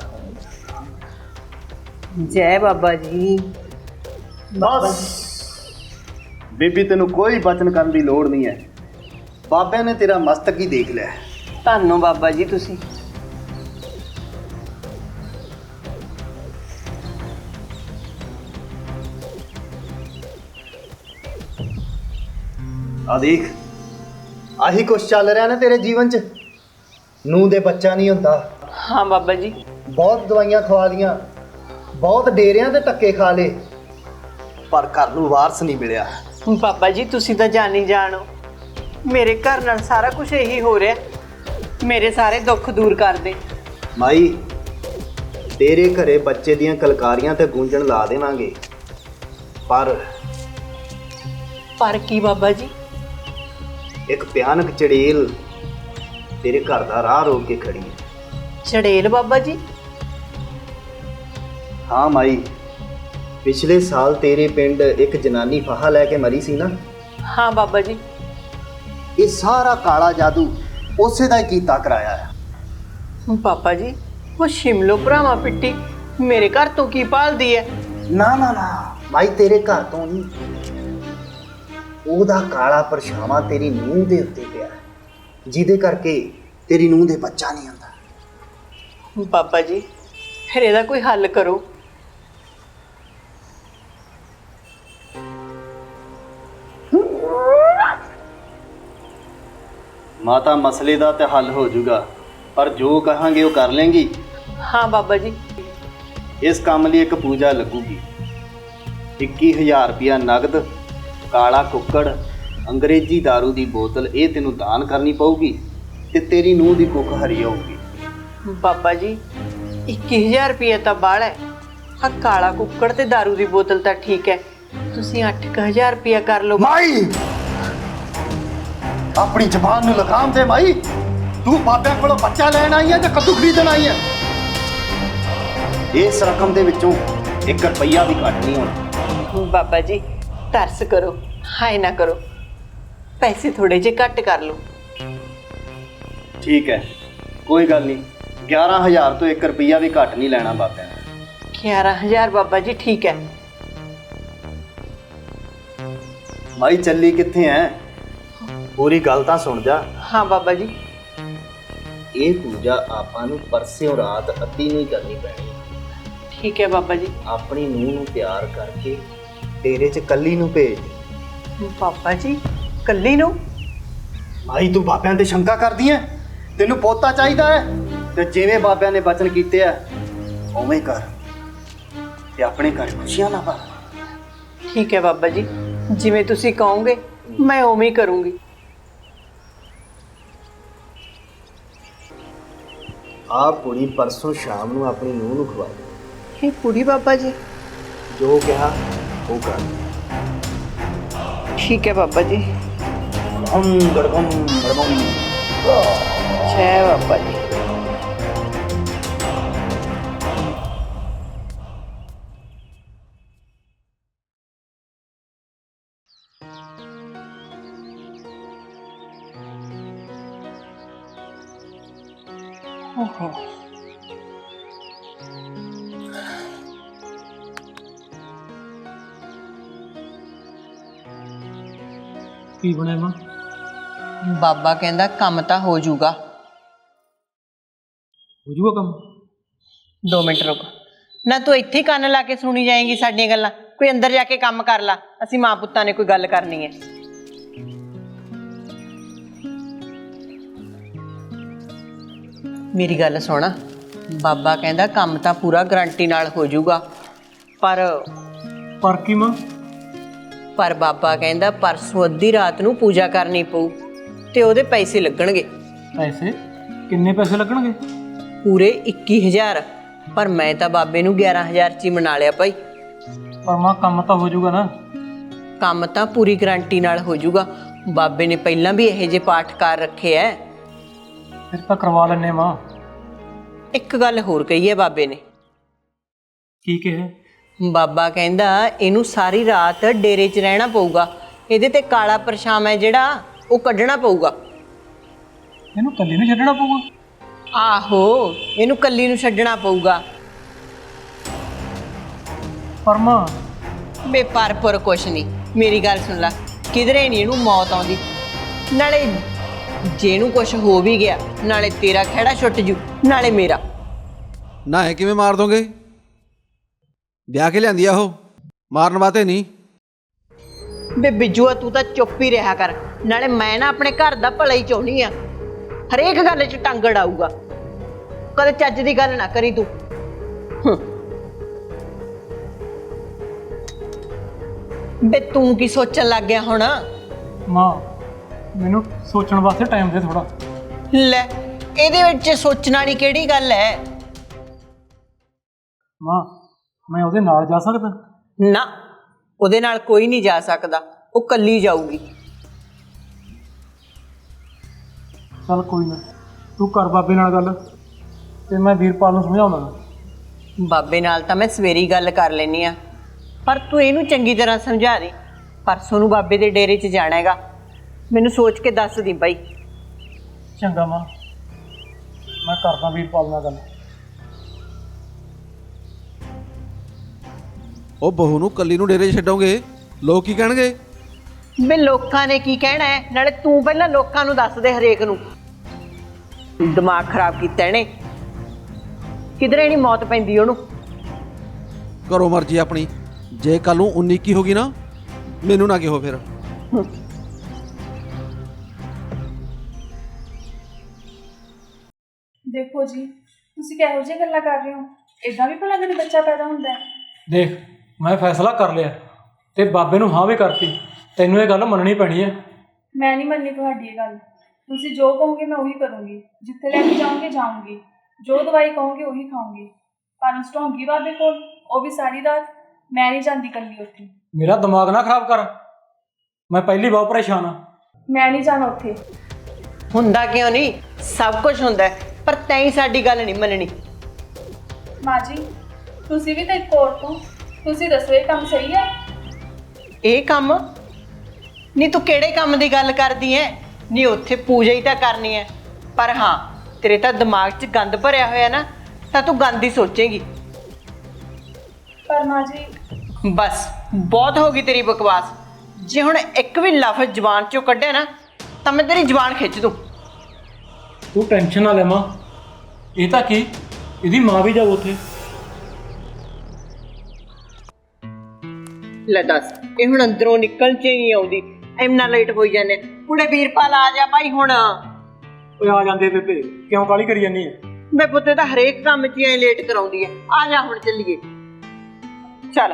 Speaker 2: ਜੈ ਬਾਬਾ ਜੀ।
Speaker 6: ਬਸ ਬੀਬੀ, ਤੈਨੂੰ ਕੋਈ ਬਚਨ ਕਰਨ ਦੀ ਲੋੜ ਨਹੀਂ ਹੈ। ਬਾਬਿਆਂ ਨੇ ਤੇਰਾ ਮਸਤਕ ਹੀ ਦੇਖ ਲਿਆ।
Speaker 2: ਧੰਨੋ ਬਾਬਾ ਜੀ ਤੁਸੀਂ।
Speaker 6: ਆ ਦੇਖ, ਆਹੀ ਕੁਛ ਚੱਲ ਰਿਹਾ ਨਾ ਤੇਰੇ ਜੀਵਨ 'ਚ। ਨੂੰਹ ਦੇ ਬੱਚਾ ਨਹੀਂ ਹੁੰਦਾ।
Speaker 2: ਹਾਂ ਬਾਬਾ ਜੀ।
Speaker 6: ਬਹੁਤ ਦਵਾਈਆਂ ਖਵਾ ਲੀਆਂ, ਬਹੁਤ ਡੇਰਿਆਂ ਤੇ ਧੱਕੇ ਖਾ ਲਏ, ਪਰ ਘਰ ਨੂੰ ਵਾਰਸ ਨਹੀਂ ਮਿਲਿਆ।
Speaker 2: ਬਾਬਾ ਜੀ ਤੁਸੀਂ ਤਾਂ ਜਾਣੀ ਜਾਣੋ, ਮੇਰੇ ਘਰ ਨਾਲ ਸਾਰਾ ਕੁਝ ਇਹੀ ਹੋ ਰਿਹਾ। ਮੇਰੇ ਸਾਰੇ ਦੁੱਖ ਦੂਰ ਕਰ ਦੇ।
Speaker 6: ਮਾਈ, ਤੇਰੇ ਘਰੇ ਬੱਚੇ ਦੀਆਂ ਕਲਕਾਰੀਆਂ ਤੇ ਗੂੰਜਣ ਲਾ ਦੇਵਾਂਗੇ, ਪਰ
Speaker 2: ਕੀ ਬਾਬਾ ਜੀ?
Speaker 6: ਇੱਕ ਭਿਆਨਕ ਚੜੇਲ ਤੇਰੇ ਘਰ ਦਾ ਰਾਹ ਰੋਕ ਕੇ ਖੜੀ ਹੈ।
Speaker 2: ਚੜੇਲ ਬਾਬਾ ਜੀ?
Speaker 6: ਹਾਂ ਮਾਈ, ਪਿਛਲੇ ਸਾਲ ਤੇਰੇ ਪਿੰਡ ਇੱਕ ਜਨਾਨੀ ਫਾਹਾ ਲੈ ਕੇ ਮਰੀ ਸੀ ਨਾ।
Speaker 2: ਹਾਂ ਬਾਬਾ ਜੀ।
Speaker 6: ਇਹ ਸਾਰਾ ਕਾਲਾ ਜਾਦੂ ਉਸੇ ਦਾ ਹੀ ਕੀਤਾ ਕਰਾਇਆ ਹੈ।
Speaker 2: ਬਾਬਾ ਜੀ ਉਹ ਸ਼ਿਮਲੋ ਭਰਾਵਾਂ ਪਿੱਟੀ ਮੇਰੇ ਘਰ ਤੋਂ ਕੀ ਭਾਲਦੀ ਹੈ?
Speaker 6: ਨਾ ਨਾ ਨਾ ਮਾਈ, ਤੇਰੇ ਘਰ ਤੋਂ ਨਹੀਂ, ਉਹਦਾ ਕਾਲਾ ਪਰਛਾਵਾਂ ਤੇਰੀ ਨੂੰਹ ਦੇ ਉੱਤੇ ਪਿਆ ਹੈ, ਜਿਹਦੇ ਕਰਕੇ ਤੇਰੀ ਨੂੰਹ ਦੇ ਬੱਚਾ ਨਹੀਂ ਆਉਂਦਾ।
Speaker 2: ਬਾਬਾ ਜੀ ਫਿਰ ਇਹਦਾ ਕੋਈ ਹੱਲ ਕਰੋ।
Speaker 6: ਮਾਤਾ, ਮਸਲੇ ਦਾ ਤੇ ਹੱਲ ਹੋ ਜਾਊਗਾ, ਪਰ ਜੋ ਕਹਾਂਗੇ ਉਹ ਕਰ ਲੇਂਗੀ?
Speaker 2: ਹਾਂ ਬਾਬਾ ਜੀ।
Speaker 6: ਇਸ ਕੰਮ ਲਈ ਇੱਕ ਪੂਜਾ ਲੱਗੂਗੀ। 21,000 ਰੁਪਇਆ ਨਗਦ, ਕਾਲਾ ਕੁੱਕੜ, ਅੰਗਰੇਜ਼ੀ दारू ਦੀ ਬੋਤਲ, ਇਹ ਤੈਨੂੰ ਦਾਨ ਕਰਨੀ ਪਊਗੀ ਤੇ ਤੇਰੀ ਨੂੰਹ ਦੀ ਕੁੱਖ ਹਰੀ ਹੋਊਗੀ।
Speaker 2: ਬਾਬਾ ਜੀ 21,000 ਰੁਪਏ ਤਾਂ ਬਾਹਲਾ ਹੈ। ਆ ਕਾਲਾ ਕੁੱਕੜ ਤੇ दारू ਦੀ ਬੋਤਲ ਤਾਂ ਠੀਕ ਹੈ, ਤੁਸੀਂ 8,000 ਰੁਪਇਆ ਕਰ ਲਓ।
Speaker 6: ਮਾਈ, ਆਪਣੀ ਜ਼ਬਾਨ ਨੂੰ ਲਗਾਮ ਦੇ ਮਾਈ। ਤੂੰ ਬਾਬਿਆਂ ਕੋਲੋਂ ਬੱਚਾ ਲੈਣ ਆਈ ਹੈ ਜਾਂ ਕੱਦੂ ਖਰੀਦਣ ਆਈ ਹੈ? ਇਸ ਰਕਮ ਦੇ ਵਿੱਚੋਂ 1 ਰੁਪਈਆ ਵੀ ਘੱਟ ਨਹੀਂ ਹੋਣਾ।
Speaker 2: ਬਾਬਾ ਜੀ ਤਰਸ ਕਰੋ, ਹਾਏ ਨਾ ਕਰੋ, ਪੈਸੇ ਥੋੜੇ ਜਿਹੇ ਘੱਟ ਕਰ ਲਓ।
Speaker 6: ਠੀਕ ਹੈ, ਕੋਈ ਗੱਲ ਨਹੀਂ, 11,000 ਤੋਂ 1 ਰੁਪਈਆ ਵੀ ਘੱਟ ਨਹੀਂ ਲੈਣਾ ਬਾਬਿਆਂ ਨੇ।
Speaker 2: 11,000 ਬਾਬਾ ਜੀ ਠੀਕ ਹੈ।
Speaker 6: ਮਾਈ ਚੱਲੀ ਕਿੱਥੇ ਐ? ਪੂਰੀ ਗੱਲ ਤਾਂ ਸੁਣ ਜਾ।
Speaker 2: ਹਾਂ ਬਾਬਾ ਜੀ।
Speaker 6: ਇਹ ਪੂਜਾ ਆਪਾਂ ਨੂੰ ਪਰਸਿਓ ਰਾਤ ਅੱਧੀ ਨਹੀਂ ਕਰਨੀ ਪੈਣੀ।
Speaker 2: ਠੀਕ ਹੈ ਬਾਬਾ ਜੀ।
Speaker 6: ਆਪਣੀ ਨੂੰਹ ਨੂੰ ਤਿਆਰ ਕਰਕੇ ਡੇਰੇ 'ਚ ਕੱਲੀ ਨੂੰ ਭੇਜ।
Speaker 2: ਬਾਬਾ ਜੀ ਕੱਲੀ ਨੂੰ?
Speaker 6: ਮਾਈ ਤੂੰ ਬਾਬਿਆਂ ਤੇ ਸ਼ੰਕਾ ਕਰਦੀ ਐ? ਤੈਨੂੰ ਪੋਤਾ ਚਾਹੀਦਾ ਹੈ ਤੇ ਜਿਵੇਂ ਬਾਬਿਆਂ ਨੇ ਬਚਨ ਕੀਤੇ ਆ ਉਵੇਂ ਕਰ ਤੇ ਆਪਣੇ ਘਰ ਖੁਸ਼ੀਆਂ ਨਾ ਪਾ।
Speaker 2: ਠੀਕ ਹੈ ਬਾਬਾ ਜੀ, ਜਿਵੇਂ ਤੁਸੀਂ ਕਹੋਗੇ ਮੈਂ ਉਵੇਂ ਹੀ ਕਰੂੰਗੀ।
Speaker 6: ਆਹ ਪੂਰੀ ਪਰਸੋਂ ਸ਼ਾਮ ਨੂੰ ਆਪਣੀ ਨੂੰਹ ਨੂੰ ਖਵਾ ਦੇ।
Speaker 2: ਇਹ ਕੁੜੀ ਬਾਬਾ ਜੀ?
Speaker 6: ਜੋ ਕਿਹਾ ਉਹ ਕਰ।
Speaker 2: ਠੀਕ ਹੈ ਬਾਬਾ ਜੀ।
Speaker 6: ਹਮ ਗੜਗਮ ਗੜਗਮ।
Speaker 2: ਜੈ ਬਾਬਾ ਜੀ। ਓਹੋ
Speaker 5: ਕੀ ਬਣਿਆ ਮਾਂ?
Speaker 2: ਬਾਬਾ ਕਹਿੰਦਾ ਕੰਮ ਤਾਂ ਹੋ ਜਾਊਗਾ।
Speaker 5: ਹੋ ਜੂਗਾ ਕੰਮ?
Speaker 2: 2 ਮਿੰਟ ਰੁਕ। ਨਾ ਤੂੰ ਇੱਥੇ ਹੀ ਕੰਨ ਲਾ ਕੇ ਸੁਣੀ ਜਾਏਂਗੀ ਸਾਡੀਆਂ ਗੱਲਾਂ? ਕੋਈ ਅੰਦਰ ਜਾ ਕੇ ਕੰਮ ਕਰ ਲਾ, ਅਸੀਂ ਮਾਂ ਪੁੱਤਾਂ ਨੇ ਕੋਈ ਗੱਲ ਕਰਨੀ ਹੈ। ਮੇਰੀ ਗੱਲ ਸੁਣ, ਬਾਬਾ ਕਹਿੰਦਾ ਕੰਮ ਤਾਂ ਪੂਰਾ ਗਰੰਟੀ ਨਾਲ ਹੋ ਜਾਊਗਾ,
Speaker 5: ਪਰ ਕੀ ਮਾਂ?
Speaker 2: ਪਰ ਬਾਬਾ ਕਹਿੰਦਾ ਪਰਸੋਂ ਅੱਧੀ ਰਾਤ ਨੂੰ ਪੂਜਾ ਕਰਨੀ ਪਊ ਤੇ ਉਹਦੇ ਪੈਸੇ ਲੱਗਣਗੇ।
Speaker 5: ਪੈਸੇ? ਕਿੰਨੇ ਪੈਸੇ ਲੱਗਣਗੇ?
Speaker 2: ਪੂਰੇ 21,000। ਪਰ ਮੈਂ ਤਾਂ ਬਾਬੇ ਨੂੰ 11,000 ਚ ਹੀ ਮਨਾ ਲਿਆ ਭਾਈ।
Speaker 5: ਪਰ ਮਾਂ ਕੰਮ ਤਾਂ ਹੋ ਜਾਊਗਾ ਨਾ?
Speaker 2: ਕੰਮ ਤਾਂ ਪੂਰੀ ਗਰੰਟੀ ਨਾਲ ਹੋ ਜਾਊਗਾ। ਬਾਬੇ ਨੇ ਪਹਿਲਾਂ ਵੀ ਇਹੋ ਜਿਹੇ ਪਾਠ ਕਰ ਰੱਖੇ ਐ।
Speaker 5: ਫਿਰ ਤਾਂ ਕਰਵਾ ਲੈਣੇ ਮਾਂ।
Speaker 2: ਇੱਕ ਗੱਲ ਹੋਰ ਕਹੀ ਹੈ ਬਾਬੇ ਨੇ।
Speaker 5: ਕੀ ਕਿਹਾ?
Speaker 2: ਬਾਬਾ ਕਹਿੰਦਾ ਇਹਨੂੰ ਸਾਰੀ ਰਾਤ ਡੇਰੇ 'ਚ ਰਹਿਣਾ ਪਊਗਾ। ਇਹਦੇ ਤੇ ਕਾਲਾ ਪਰਛਾਵਾਂ ਹੈ ਜਿਹੜਾ ਉਹ ਕੱਢਣਾ ਪਊਗਾ।
Speaker 5: ਇਹਨੂੰ ਇਕੱਲੀ ਨੂੰ ਛੱਡਣਾ ਪਊਗਾ?
Speaker 2: ਆਹੋ, ਇਹਨੂੰ ਕੱਲੀ ਨੂੰ ਛੱਡਣਾ ਪਊਗਾ।
Speaker 5: ਪਰ ਮਾਂ
Speaker 2: ਬੇਪਰਪੁਰ ਕੁਛ ਨਹੀਂ, ਮੇਰੀ ਗੱਲ ਸੁਣ ਲੈ, ਕਿਧਰੇ ਨਹੀਂ ਇਹਨੂੰ ਮੌਤ ਆਉਂਦੀ। ਨਾਲੇ ਜੇ ਇਹਨੂੰ ਕੁਛ ਹੋ ਵੀ ਗਿਆ, ਨਾਲੇ ਤੇਰਾ ਖਹਿੜਾ ਛੁੱਟ ਜੂ, ਨਾਲੇ ਮੇਰਾ।
Speaker 4: ਨਾ ਇਹ ਕਿਵੇਂ ਮਾਰ ਦੋਗੇ? ਵਿਆਹ ਕੇ ਲਿਆਂਦੀ ਆ ਉਹ, ਮਾਰਨ ਵਾਸਤੇ ਨਹੀਂ।
Speaker 2: ਬੇ ਬਿੱਜੂਆ ਤੂੰ ਤਾਂ ਚੁੱਪ ਹੀ ਰਿਹਾ ਕਰ। ਨਾਲੇ ਮੈਂ ਨਾ ਆਪਣੇ ਘਰ ਦਾ ਭਲਾ ਹੀ ਚਾਹੁੰਦੀ ਆ, ਹਰੇਕ ਗੱਲ 'ਚ ਟੰਗ ਅੜਾਊਗਾ। ਕਦੇ ਚੱਜ ਦੀ ਗੱਲ ਨਾ ਕਰੀ ਤੂੰ। ਬੇ ਤੂੰ ਕੀ ਸੋਚਣ ਲੱਗ ਗਿਆ ਹੁਣ?
Speaker 5: ਮਾਂ ਮੈਨੂੰ ਸੋਚਣ ਵਾਸਤੇ ਟਾਈਮ ਦੇ ਥੋੜਾ।
Speaker 2: ਲੈ, ਇਹਦੇ ਵਿੱਚ ਸੋਚਣ ਵਾਲੀ ਕਿਹੜੀ ਗੱਲ ਹੈ?
Speaker 5: ਮਾਂ ਮੈਂ ਉਹਦੇ ਨਾਲ ਜਾ ਸਕਦਾ?
Speaker 2: ਨਾ, ਉਹਦੇ ਨਾਲ ਕੋਈ ਨਹੀਂ ਜਾ ਸਕਦਾ, ਉਹ ਕੱਲੀ ਜਾਊਗੀ।
Speaker 5: ਚੱਲ ਕੋਈ ਨਾ, ਤੂੰ ਕਰ ਬਾਬੇ ਨਾਲ ਗੱਲ ਤੇ ਮੈਂ ਵੀਰਪਾਲ ਨੂੰ ਸਮਝਾਉਂਦਾ।
Speaker 2: ਬਾਬੇ ਨਾਲ ਤਾਂ ਮੈਂ ਸਵੇਰੀ ਗੱਲ ਕਰ ਲੈਣੀ ਆ, ਪਰ ਤੂੰ ਇਹਨੂੰ ਚੰਗੀ ਤਰ੍ਹਾਂ ਸਮਝਾ ਦੇ। ਪਰਸੋਂ ਨੂੰ ਬਾਬੇ ਦੇ ਡੇਰੇ 'ਚ ਜਾਣਾ ਹੈਗਾ, ਮੈਨੂੰ ਸੋਚ ਕੇ ਦੱਸ ਦੀ ਬਾਈ।
Speaker 5: ਚੰਗਾ ਮਾਂ, ਮੈਂ ਕਰਦਾ ਵੀਰਪਾਲ ਨਾਲ ਗੱਲ।
Speaker 4: ਉਹ ਬਹੂ ਨੂੰ ਕੱਲੀ ਨੂੰ ਡੇਰੇ 'ਚ ਛੱਡੋਗੇ, ਲੋਕ ਕੀ ਕਹਿਣਗੇ?
Speaker 2: ਬੇ ਲੋਕਾਂ ਨੇ ਕੀ ਕਹਿਣਾ ਹੈ? ਨਾਲੇ ਤੂੰ ਪਹਿਲਾਂ ਲੋਕਾਂ ਨੂੰ ਦੱਸ ਦੇ, ਹਰੇਕ ਨੂੰ। ਦਿਮਾਗ ਖਰਾਬ ਕੀਤਾ ਇਹਨੇ, ਕਿਧਰੇ ਨਹੀਂ ਮੌਤ ਪੈਂਦੀ ਉਹਨੂੰ।
Speaker 4: ਕਰੋ ਮਰਜ਼ੀ ਆਪਣੀ। ਜੇ ਕੱਲ ਨੂੰ 19 ਕੀ ਹੋ ਗਈ ਨਾ, ਮੈਨੂੰ ਨਾ ਕਿਹੋ ਫਿਰ।
Speaker 3: ਦੇਖੋ ਜੀ, ਤੁਸੀਂ ਕਿਹੋ ਜਿਹੀਆਂ ਗੱਲਾਂ ਕਰ ਰਹੇ ਹੋ? ਇਦਾਂ ਵੀ ਭਲਾ ਕਦੇ ਬੱਚਾ ਪੈਦਾ ਹੁੰਦਾ ਹੈ?
Speaker 5: ਦੇਖ, ਮੈਂ ਫੈਸਲਾ ਕਰ ਲਿਆ ਤੇ ਬਾਬੇ ਨੂੰ ਹਾਂ ਵੀ ਕਰਤੀ। ਤੈਨੂੰ ਇਹ ਗੱਲ ਮੰਨਣੀ ਪੈਣੀ ਹੈ।
Speaker 3: ਮੈਂ ਨਹੀਂ ਮੰਨਣੀ ਤੁਹਾਡੀ ਇਹ ਗੱਲ। ਤੁਸੀਂ ਜੋ ਕਹੋਗੇ ਮੈਂ ਉਹੀ ਕਰੂੰਗੀ। ਜਿੱਥੇ ਲੈ ਕੇ ਜਾਓਗੇ ਜਾਊਂਗੀ, ਜੋ ਦਵਾਈ ਕਹੋਗੇ ਉਹੀ ਖਾਊਂਗੀ। ਪਰ ਉਸ ਢੋਂਗੀ ਬਾਬੇ ਕੋਲ, ਉਹ ਵੀ ਸਾਰੀ ਰਾਤ। ਮੈਂ ਨਹੀਂ ਜਾਂਦੀ ਇਕੱਲੀ ਉੱਥੇ।
Speaker 5: ਮੇਰਾ ਦਿਮਾਗ ਨਾ ਖਰਾਬ ਕਰ, ਮੈਂ ਪਹਿਲੀ ਬਹੁਤ ਪਰੇਸ਼ਾਨ ਹਾਂ।
Speaker 3: ਮੈਂ ਨਹੀਂ ਜਾਣਾ ਉੱਥੇ।
Speaker 2: ਹੁੰਦਾ ਕਿਉਂ ਨਹੀਂ, ਸਭ ਕੁਝ ਹੁੰਦਾ ਹੈ, ਪਰ ਤੈਂ ਸਾਡੀ ਗੱਲ ਨਹੀਂ ਮੰਨਣੀ।
Speaker 3: ਮਾਂ ਜੀ ਤੁਸੀਂ ਵੀ ਤਾਂ ਇੱਕ ਔਰਤ ਹੋ, ਤੁਸੀਂ ਦੱਸੋ ਇਹ ਕੰਮ ਸਹੀ ਹੈ?
Speaker 2: ਇਹ ਕੰਮ ਨਹੀਂ, ਤੂੰ ਕਿਹੜੇ ਕੰਮ ਦੀ ਗੱਲ ਕਰਦੀ ਐ? ਨਹੀਂ, ਉੱਥੇ ਪੂਜਾ ਹੀ ਤਾਂ ਕਰਨੀ ਹੈ, ਪਰ ਹਾਂ ਤੇਰੇ ਤਾਂ ਦਿਮਾਗ 'ਚ ਗੰਦ ਭਰਿਆ ਹੋਇਆ ਨਾ, ਤਾਂ ਤੂੰ ਗੰਦ ਹੀ ਸੋਚੇਂਗੀ।
Speaker 3: ਪਰ ਮਾਂ ਜੀ
Speaker 2: ਬਸ ਬਹੁਤ ਹੋ ਗਈ ਤੇਰੀ ਬਕਵਾਸ। ਜੇ ਹੁਣ ਇੱਕ ਵੀ ਲਫ਼ਜ਼ ਜ਼ੁਬਾਨ 'ਚੋਂ ਕੱਢਿਆ ਨਾ ਤਾਂ ਮੈਂ ਤੇਰੀ ਜ਼ੁਬਾਨ ਖਿੱਚ ਦੂੰ।
Speaker 5: ਤੂੰ ਟੈਨਸ਼ਨ ਨਾ ਲੈ ਮਾਂ, ਇਹ ਤਾਂ ਕੀ, ਇਹਦੀ ਮਾਂ ਵੀ ਜਾਊ ਉੱਥੇ।
Speaker 2: ਲੈ ਦੱਸ, ਇਹ ਹੁਣ ਅੰਦਰੋਂ ਨਿਕਲ 'ਚ ਹੀ ਨਹੀਂ ਆਉਂਦੀ, ਇੰਨਾ ਲੇਟ ਹੋਈ ਜਾਂਦੇ। ਕੁੜੇ ਵੀਰਪਾਲ ਆ ਜਾ ਭਾਈ ਹੁਣ।
Speaker 5: ਓਏ ਆ ਜਾਂਦੇ ਬੇਬੇ, ਕਿਉਂ ਕਾਹਲੀ ਕਰੀ ਜਾਂਦੀ ਹੈ?
Speaker 2: ਮੈਂ ਪੁੱਤੇ ਤਾਂ ਹਰੇਕ ਕੰਮ 'ਚ ਐ ਲੇਟ ਕਰਾਉਂਦੀ ਐ। ਆ ਜਾ ਹੁਣ ਚੱਲੀਏ, ਚੱਲ।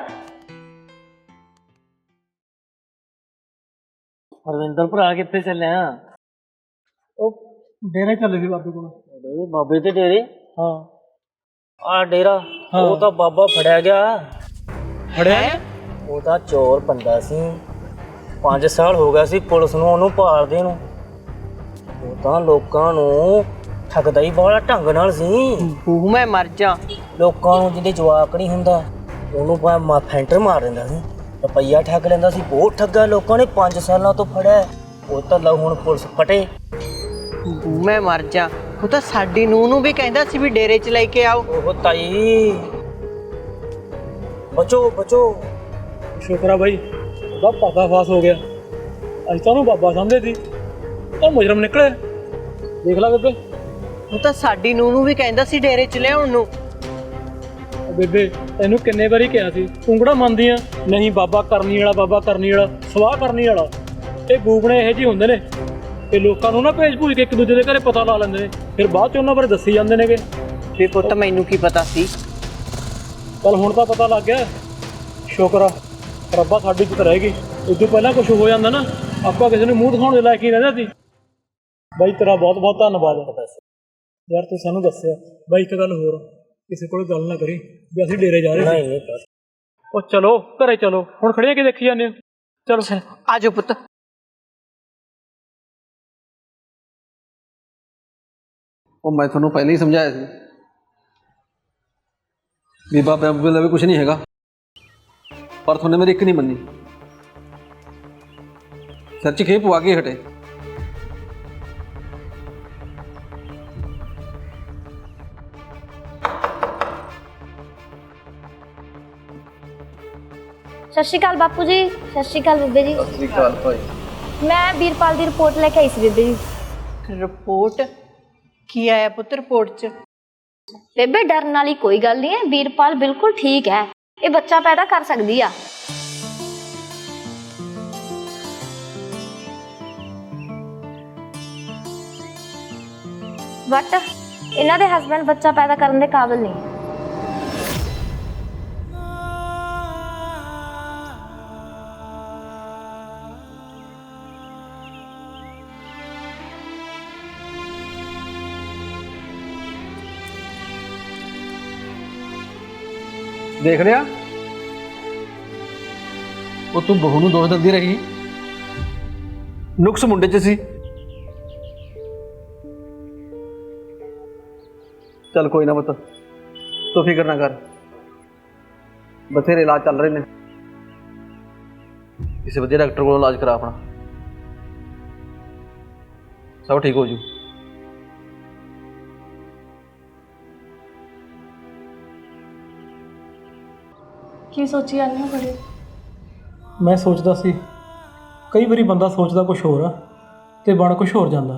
Speaker 7: ਹਰਵਿੰਦਰ ਭਰਾ ਕਿੱਥੇ ਚੱਲਿਆ?
Speaker 5: ਉਹ ਡੇਰੇ ਚੱਲੇ ਸੀ ਬਾਬੇ ਕੋਲ।
Speaker 7: ਬਾਬੇ ਦੇ ਡੇਰੇ?
Speaker 5: ਹਾਂ।
Speaker 7: ਆ ਡੇਰਾ
Speaker 5: ਹਾਂ।
Speaker 7: ਉਹ ਤਾਂ ਬਾਬਾ ਫੜਿਆ ਗਿਆ।
Speaker 5: ਫੜਿਆ?
Speaker 7: ਉਹ ਤਾਂ ਚੋਰ ਬੰਦਾ ਸੀ, 5 ਸਾਲ ਹੋ ਗਿਆ ਸੀ ਪੁਲਿਸ ਨੂੰ ਉਹਨੂੰ ਭਾਲਦੇ ਨੂੰ। ਉਹ ਤਾਂ ਲੋਕਾਂ ਨੂੰ ਠੱਗਦਾ ਹੀ ਬੜਾ ਢੰਗ ਨਾਲ ਸੀ।
Speaker 2: ਮੈਂ ਮਰ ਜਾ।
Speaker 7: ਲੋਕਾਂ ਨੂੰ ਜਿਹਦੇ ਜਵਾਕ ਨਹੀਂ ਹੁੰਦਾ ਉਹਨੂੰ ਫੈਂਟਰ ਮਾਰ ਦਿੰਦਾ ਸੀ, ਰੁਪਈਆ ਠੱਗ ਲੈਂਦਾ ਸੀ। ਬਹੁਤ ਠੱਗਾ ਲੋਕਾਂ ਨੇ, 5 ਸਾਲਾਂ ਤੋਂ ਫੜਿਆ। ਉਹ ਤਾਂ ਲਓ ਹੁਣ ਪੁਲਿਸ ਫਟੇ।
Speaker 2: ਮੈਂ ਮਰ ਜਾ। ਉਹ ਤਾਂ ਸਾਡੀ ਨੂੰਹ ਨੂੰ ਵੀ ਕਹਿੰਦਾ ਸੀ ਵੀ ਡੇਰੇ 'ਚ ਲੈ ਕੇ ਆਓ।
Speaker 7: ਉਹ ਤਾਈ ਬਚੋ ਬਚੋ।
Speaker 5: ਸ਼ੁਕਰ ਆ ਬਾਈ, ਉਹਦਾ ਪਰਦਾਫਾਸ਼ ਹੋ ਗਿਆ। ਅੱਜ ਤਾਂ ਉਹਨੂੰ ਬਾਬਾ ਸਮਝਦੇ ਸੀ, ਉਹ ਮੁਜਰਮ ਨਿਕਲੇ। ਦੇਖ ਲੈ ਬੇਬੇ।
Speaker 2: ਉਹ ਤਾਂ ਸਾਡੀ ਨੂੰਹ ਨੂੰ ਵੀ ਕਹਿੰਦਾ ਸੀ ਡੇਰੇ 'ਚ ਲਿਆਉਣ ਨੂੰ।
Speaker 5: ਉਹ ਬੇਬੇ ਤੈਨੂੰ ਕਿੰਨੇ ਵਾਰੀ ਕਿਹਾ ਸੀ, ਤੂੰ ਕਿਹੜਾ ਮੰਨਦੀ ਆ? ਨਹੀਂ, ਬਾਬਾ ਕਰਨੀ ਵਾਲਾ, ਬਾਬਾ ਕਰਨੀ ਵਾਲਾ, ਸਵਾਹ ਕਰਨੀ ਵਾਲਾ। ਇਹ ਗੂਗਣੇ ਇਹੋ ਜਿਹੇ ਹੁੰਦੇ ਨੇ, ਇਹ ਲੋਕਾਂ ਨੂੰ ਨਾ ਭੇਜ ਭੂਜ ਕੇ ਇੱਕ ਦੂਜੇ ਦੇ ਘਰੇ ਪਤਾ ਲਾ ਲੈਂਦੇ ਨੇ, ਫਿਰ ਬਾਅਦ 'ਚ ਉਹਨਾਂ ਬਾਰੇ ਦੱਸੀ ਜਾਂਦੇ ਨੇਗੇ।
Speaker 2: ਵੀ ਪੁੱਤ ਮੈਨੂੰ ਕੀ ਪਤਾ ਸੀ।
Speaker 5: ਚੱਲ ਹੁਣ ਤਾਂ ਪਤਾ ਲੱਗ ਗਿਆ, ਸ਼ੁਕਰ ਆ ਰੱਬਾ ਸਾਡੀ ਇੱਜ਼ਤ ਰਹਿ ਗਈ। ਉਦੋਂ ਪਹਿਲਾਂ ਕੁਝ ਹੋ ਜਾਂਦਾ ਨਾ, ਆਪਾਂ ਕਿਸੇ ਨੂੰ ਮੂੰਹ ਦਿਖਾਉਣ ਦੇ ਲਾਇਕ ਹੀ ਰਹਿੰਦਾ ਸੀ। ਬਾਈ ਤੇਰਾ ਬਹੁਤ ਬਹੁਤ ਧੰਨਵਾਦ ਯਾਰ, ਤੂੰ ਸਾਨੂੰ ਦੱਸਿਆ। ਬਾਈ ਇੱਕ ਗੱਲ ਹੋਰ, ਕਿਸੇ ਕੋਲ ਗੱਲ ਨਾ ਕਰੀ ਵੀ ਅਸੀਂ ਡੇਰੇ ਜਾ ਰਹੇ ਸੀ।
Speaker 7: ਨਹੀਂ
Speaker 5: ਉਹ ਚਲੋ ਘਰੇ ਚਲੋ, ਹੁਣ ਖੜੀਆਂ ਕੀ ਦੇਖੀ ਜਾਂਦੇ ਹੋ? ਚਲੋ
Speaker 2: ਆ ਜਾਓ ਪੁੱਤ।
Speaker 4: ਉਹ ਮੈਂ ਤੁਹਾਨੂੰ ਪਹਿਲਾਂ ਹੀ ਸਮਝਾਇਆ ਸੀ ਵੀ ਬਾਬਾ ਦਾ ਵੀ ਕੁਝ ਨਹੀਂ ਹੈਗਾ, ਪਰ ਤੁਹਾਨੇ ਮੇਰੀ ਇੱਕ ਨਹੀਂ ਮੰਨੀ। ਸਿਰ 'ਚ ਖੇਪ ਪਵਾ ਕੇ ਹਟੇ।
Speaker 8: ਸਤਿ ਸ਼੍ਰੀ ਅਕਾਲ ਬਾਪੂ ਜੀ। ਸਤਿ ਸ਼੍ਰੀ ਅਕਾਲ ਬੀਬੇ ਜੀ।
Speaker 4: ਸਤਿ ਸ਼੍ਰੀ ਅਕਾਲ ਭਾਈ।
Speaker 8: ਮੈਂ ਵੀਰਪਾਲ ਦੀ ਰਿਪੋਰਟ ਲੈ ਕੇ ਆਈ ਸੀ ਬੀਬੇ ਜੀ।
Speaker 2: ਰਿਪੋਰਟ ਕੀ ਆਇਆ ਪੁੱਤ ਰਿਪੋਰਟ 'ਚ?
Speaker 8: ਬੇਬੇ ਡਰਨ ਵਾਲੀ ਕੋਈ ਗੱਲ ਨਹੀਂ ਹੈ, ਵੀਰਪਾਲ ਬਿਲਕੁਲ ਠੀਕ ਹੈ। ਇਹ ਬੱਚਾ ਪੈਦਾ ਕਰ ਸਕਦੀ ਆ। ਬਟ ਇਹਨਾਂ ਦੇ ਹਸਬੰਡ ਬੱਚਾ ਪੈਦਾ ਕਰਨ ਦੇ ਕਾਬਿਲ ਨਹੀਂ।
Speaker 4: ਦੇਖ ਲਿਆ, ਉਹ ਤੂੰ ਬਹੂ ਨੂੰ ਦੋਸ਼ ਦਿੰਦੀ ਰਹੀ, ਨੁਕਸ ਮੁੰਡੇ 'ਚ ਸੀ। ਚੱਲ ਕੋਈ ਨਾ ਪੁੱਤ, ਤੂੰ ਫਿਕਰ ਨਾ ਕਰ, ਬਥੇਰੇ ਇਲਾਜ ਚੱਲ ਰਹੇ ਨੇ। ਕਿਸੇ ਵਧੀਆ ਡਾਕਟਰ ਕੋਲ ਇਲਾਜ ਕਰਾ ਆਪਣਾ, ਸਭ ਠੀਕ ਹੋ ਜੂ।
Speaker 3: ਕੀ ਸੋਚੀ ਜਾਂਦੇ ਹੋ ਬੜੇ?
Speaker 5: ਮੈਂ ਸੋਚਦਾ ਸੀ, ਕਈ ਵਾਰੀ ਬੰਦਾ ਸੋਚਦਾ ਕੁਝ ਹੋਰ ਆ ਤੇ ਬਣ ਕੁਝ ਹੋਰ ਜਾਂਦਾ।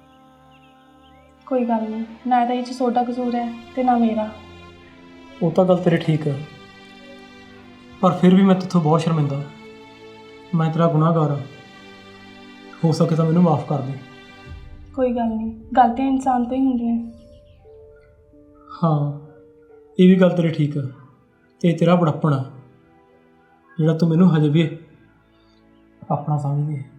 Speaker 3: ਕੋਈ ਗੱਲ ਨਹੀਂ, ਨਾ ਤਾਂ ਇਹ 'ਚ ਤੁਹਾਡਾ ਕਸੂਰ ਹੈ ਤੇ ਨਾ ਮੇਰਾ।
Speaker 5: ਉਹ ਤਾਂ ਗੱਲ ਤੇਰੀ ਠੀਕ ਹੈ, ਪਰ ਫਿਰ ਵੀ ਮੈਂ ਤੇਥੋਂ ਬਹੁਤ ਸ਼ਰਮਿੰਦਾ। ਮੈਂ ਤੇਰਾ ਗੁਨਾਹਗਾਰ ਹਾਂ, ਹੋ ਸਕੇ ਤਾਂ ਮੈਨੂੰ ਮਾਫ ਕਰ ਦੇ।
Speaker 3: ਕੋਈ ਗੱਲ ਨਹੀਂ, ਗਲਤੀਆਂ ਇਨਸਾਨ ਤੋਂ ਹੀ ਹੁੰਦੀਆਂ।
Speaker 5: ਹਾਂ, ਇਹ ਵੀ ਗੱਲ ਤੇਰੀ ਠੀਕ ਹੈ, ਤੇ ਤੇਰਾ ਬੜਪਣ ਆ ਜਿਹੜਾ ਤੂੰ ਮੈਨੂੰ ਹਜੇ ਵੀ ਆਪਣਾ ਸਮਝਦੀ ਹੈ।